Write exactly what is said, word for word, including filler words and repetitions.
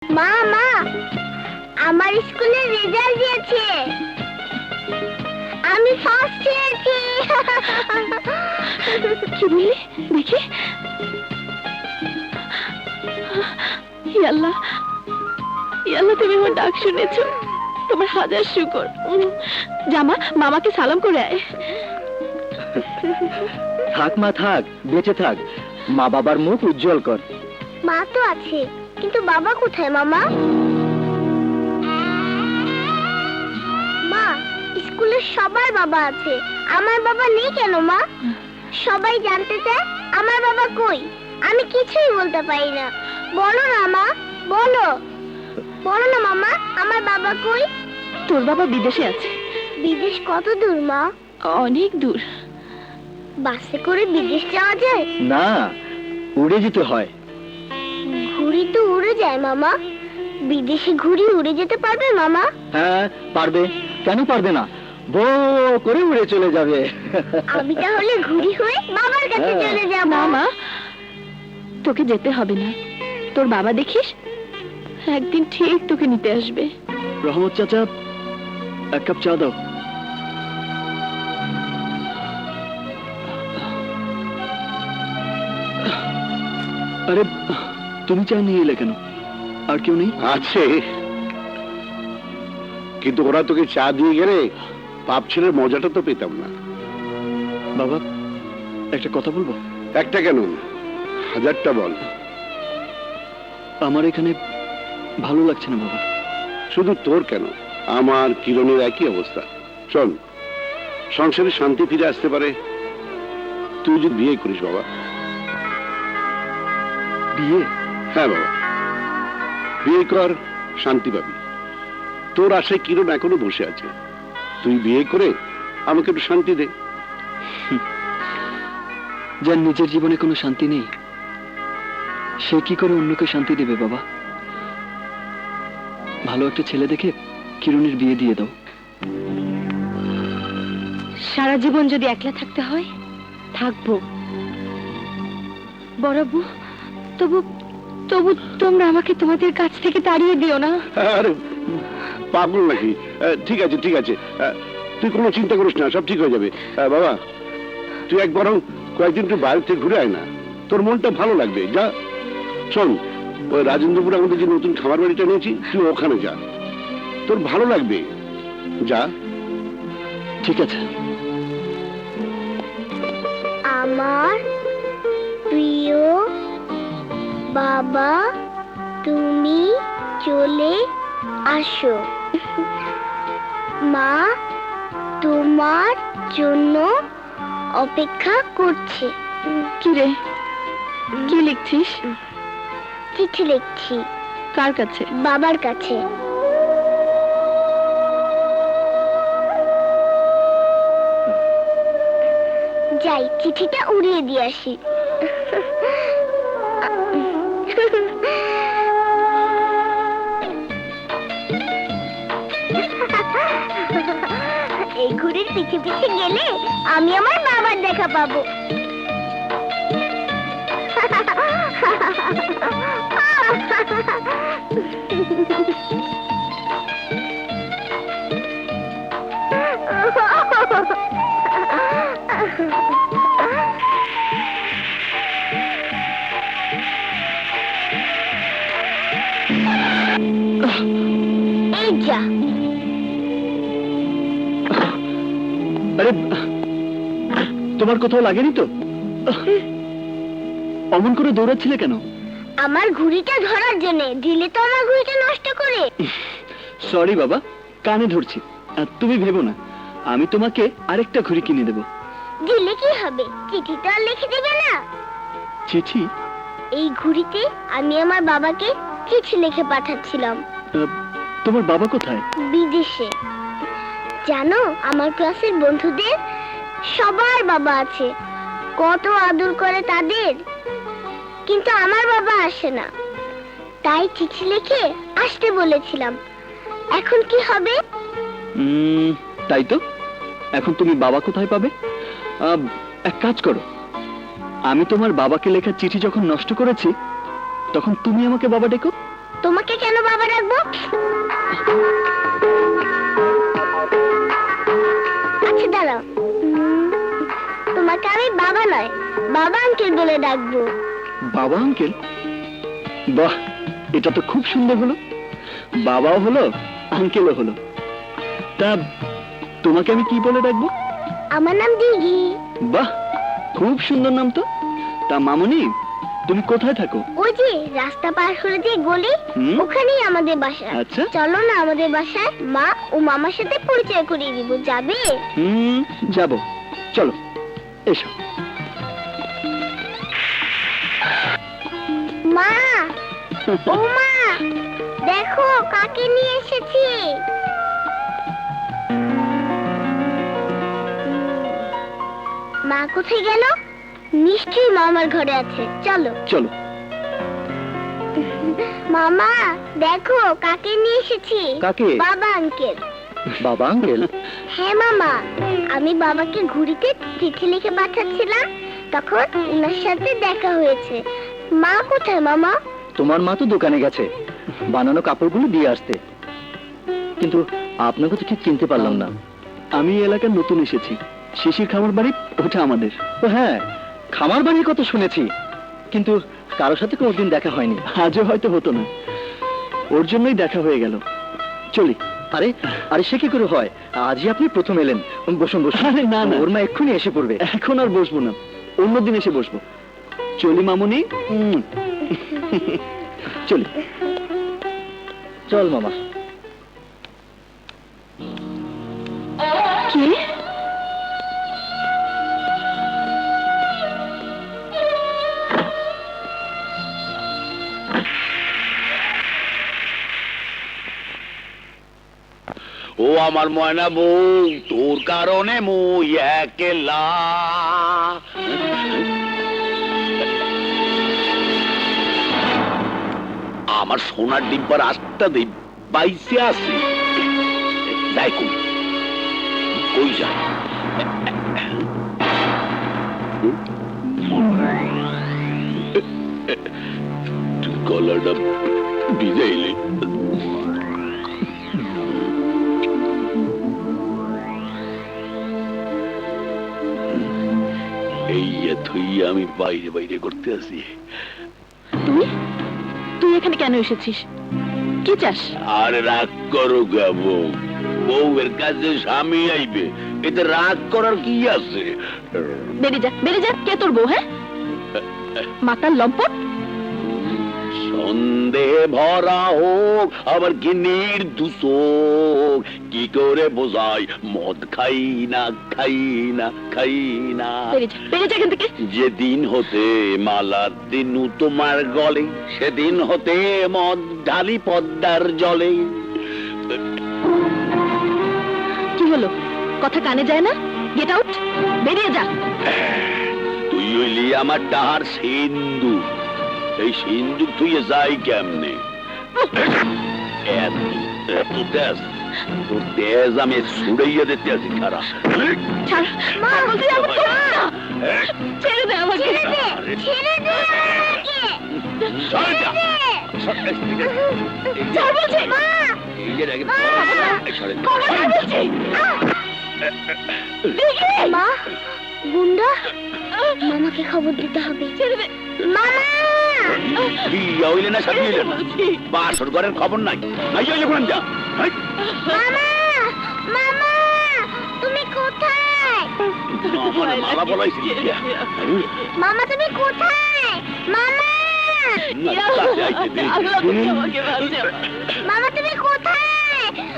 মা মা আমার স্কুলের রেজাল্ট দিয়েছে, আমি ফার্স্ট হয়েছি। কি বললি দেখি? আল্লাহ আল্লাহ, তুমি আমার ডাক শুনেছো, তোমার হাজার শুকর। জামা মামাকে সালাম করে আয়। থাক মা থাক, বেঁচে থাক, মা বাবার মুখ উজ্জ্বল কর। মা তো আছে, কিন্তু বাবা কোথায় মামা? মা, স্কুলের সবার বাবা আছে, আমার বাবা নেই কেন মা? সবাই জানতে চায় আমার বাবা কই, আমি কিছুই বলতে পারি না। বলো না মা, বলো বলো না মামা, আমার বাবা কই? তোর বাবা বিদেশে আছে। বিদেশ কত দূর মা? অনেক দূর। বাসে করে বিদেশ যাওয়া যায় না, উড়ে যেতে হয়। ঘুড়ি তো উড়ে যায় মামা, বিদেশে ঘুড়ি উড়ে যেতে পারবে মামা? হ্যাঁ পারবে, কেন পারবে না, বো করে উড়ে চলে যাবে। আমি তাহলে ঘুড়ি হয়ে বাবার কাছে চলে যাব। মামা, তোকে যেতে হবে না, তোর বাবা দেখিস একদিন ঠিক তোকে নিতে আসবে। রহমত চাচা, এক কাপ চা দাও। আরে তুমি চা নিয়ে এলে কেন? আর কেউ নেই? আছে, কিন্তু ওরা তোকে চা দিয়ে গেলে পাপ ছেলের মজাটা তো পেতাম না। বাবা, একটা কথা বলবো? একটা কেন, হাজারটা বল। আমার এখানে ভালো লাগছে না বাবা। শুধু তোর কেন, আমার কিরণের একই অবস্থা। চল, সংসারে শান্তি ফিরে আসতে পারে তুই যদি বিয়ে করিস বাবা। বিয়ে? হ্যাঁ বাবা, বিয়ে কর, শান্তি পাবি। তোর আশায় কিরণ এখনো বসে আছে, তুই বিয়ে করে আমাকে একটু শান্তি দে। যার নিজের জীবনে কোনো শান্তি নেই, সে কি করে অন্যকে শান্তি দেবে বাবা? ভালো একটা ছেলে দেখে কিরণের বিয়ে দিয়ে দাও। সারা জীবন যদি একলা থাকতে হয় থাকবো বড়াবু, তবু তবু তোমরা আমাকে তোমাদের কাছ থেকে তাড়িয়ে দিও না। আরে পাগল নাকি? ঠিক আছে ঠিক আছে, তুই কোনো চিন্তা করিস না, সব ঠিক হয়ে যাবে। বাবা, তুই এক বরং কয়েকদিন তুই বাইরে থেকে ঘুরে আয় না, তোর মনটা ভালো লাগবে। যা, শোন, ওই রাজেন্দ্রপুরে আমাদের যে নতুন খামার বাড়িটা নিয়েছি, তুই ওখানে যা, তোর ভালো লাগবে। যা। ঠিক আছে। আমার প্রিয় বাবা, তুমি চলে আসো। মা তোমার জন্য অপেক্ষা করছে। কি রে, কি লিখছিস? চিঠি লিখছি। কার কাছে? বাবার কাছে। যাই, চিঠিটা উড়িয়ে দিয়ে আসি। এই ঘুড়ির পিছে পিছে গেলে আমি আমার বাবার দেখা পাবো। এই যা। আরে তোমার কোথাও লাগেনি তো? অমন করে দৌড়াচ্ছিলে কেন? আমার ঘুড়িটা ধরার জন্য, দিলে তো আমার ঘুড়িটা নষ্ট করে। সরি বাবা, কানে ধরছি। তুমি ভেবো না, আমি তোমাকে আরেকটা ঘুড়ি কিনে দেব। দিলে কি হবে, চিঠি তো আর লিখে দেবে না? চিঠি? এই ঘুড়িতে আমি আমার বাবাকে চিঠি লিখে পাঠাচ্ছিলাম। তোমার বাবা কোথায়? বিদেশে। জানো, আমার ক্লাসের বন্ধুদের সবার বাবা আছে, কত আদর করে তাদের, কিন্তু আমার বাবা আসে না, তাই চিঠি লিখে আসতে বলেছিলাম। এখন কি হবে? উম, তাই তো, এখন তুমি বাবা কোথায় পাবে? এক কাজ করো, আমি তোমার বাবাকে লেখা চিঠি যখন নষ্ট করেছি, তখন তুমি আমাকে বাবা ডেকো। তোমাকে কেন বাবা ডাকবো? আচ্ছা দাঁড়াও, উম, তোমাকে আমি বাবা নয়, বাবা আঙ্কেল বলে ডাকবো। বাবা আঙ্কেল? বাহ, এটা তো খুব সুন্দর হলো। বাবাও হলো, আঙ্কেলও হলো। তা তোমাকে আমি কি বলে ডাকবো? আমার নাম দিঘি। বাহ, খুব সুন্দর নাম তো। তা মামুনি, তুমি কোথায় থাকো? ওই যে রাস্তা পার করে যে গলি, হুম। ওখানেই আমাদের বাসা। আচ্ছা। চলো না আমাদের বাসায়, মা ও মামার সাথে পরিচয় করিয়ে দিব। যাবে? হুম, যাবো, চলো এসো। মা, ও মা, দেখো কাকে নিয়ে এসেছি। মা কোথায় গেল? নিশ্চয়ই মামার ঘরে আছে। চলো। চলো। মামা, দেখো কাকে নিয়ে এসেছি। কাকে? বাবা আঙ্কেল। বাবা আঙ্কেল? হ্যাঁ মামা, আমি বাবাকে ঘুড়িতে চিঠি লিখে পাঠাচ্ছিলাম, তখন উনার সাথে দেখা হয়েছে। মা কোথায় মামা? তোমার মা তো দোকানে গেছে বানানো কাপড়গুলো দিয়ে আসতে, কিন্তু আপনাকে তো ঠিক চিনতে পারলাম না। আমি এই এলাকার নতুন এসেছি। শিশির খামার বাড়ি ওটা আমাদের। ও হ্যাঁ, খামার বাড়ির কথা শুনেছি, কিন্তু কারোর সাথে কোনোদিন দেখা হয়নি। আজও হয়তো হতো না, ওর জন্যই দেখা হয়ে গেল। চলি। আরে আরে সে কি করে হয়? আজই আপনি প্রথম এলেন। বসুন বসুন। আরে না না, ওর মা এক্ষুনি এসে পড়বে। এখন আর বসবো না, অন্যদিন এসে বসবো। চলি মামুনি। উম। চলি। চল মামা। কি? ও আমার ময়না বউ, তোর কারণে মুই একলা। আমার সোনার ডিব্বার আটটা দিন বাইসে আছে। যাই কই কই যায়? তুই গলাটা ভিজাইলি। এই তুই আমি বাইরে বাইরে করতে আসি। তুই তুই এখানে কেন এসেছিস? কি চাস? আর রাগ করো গা বউ, বউয়ের কাছে স্বামী আইবে, এতে রাগ করার কি আছে? বেরিয়ে যা, বেরিয়ে যা। কে তোর বউ? হ্যাঁ, মাতার লম্পট। সন্দেহ ভরা হোক আবার কি নির্দোষ, কি করে বোঝাই মদ খাই না খাই না খাই না। বেরিয়ে যা, বেরিয়ে যা এখান থেকে। যেদিন হতে মালা দিনু তোমার গলে, সেদিন হতে মদ ঢালি পদ্মার জলে। কি হলো? কথা কানে যায় না? গেট আউট, বেরিয়ে যা। তুই হইলি আমার ডাহার সিন্ধু, এই সিন্ধু তুই যাই কেমনে? এত এত তেজ, তোর তেজ আমি ছুড়াইয়া দিতে আছি। খারাপ ছাড়, মা বলছি আমার তো না। ছেড়ে দে আমাকে। ছেড়ে দে, ছেড়ে দে আমাকে। ছাড় যা। ছাড় বলছি। মা, এই যে রেখে ছাড়ে দে। খবরদার বলছি। দেখি। মা, গুন্ডা, মামাকে খবর দিতে হবে। ছেড়ে দে। মামা, বিয়া হইলে না সাথে হইলে না, বাসর ঘরের খবর নাই। নাই হইলে কোন যা। হাই। মামা, মামা, তুমি কোথায়? আমার মালা বলাইছি। মামা তুমি কোথায়? মামা, না, কাছে আইতে দে। মামা তুমি কোথায়?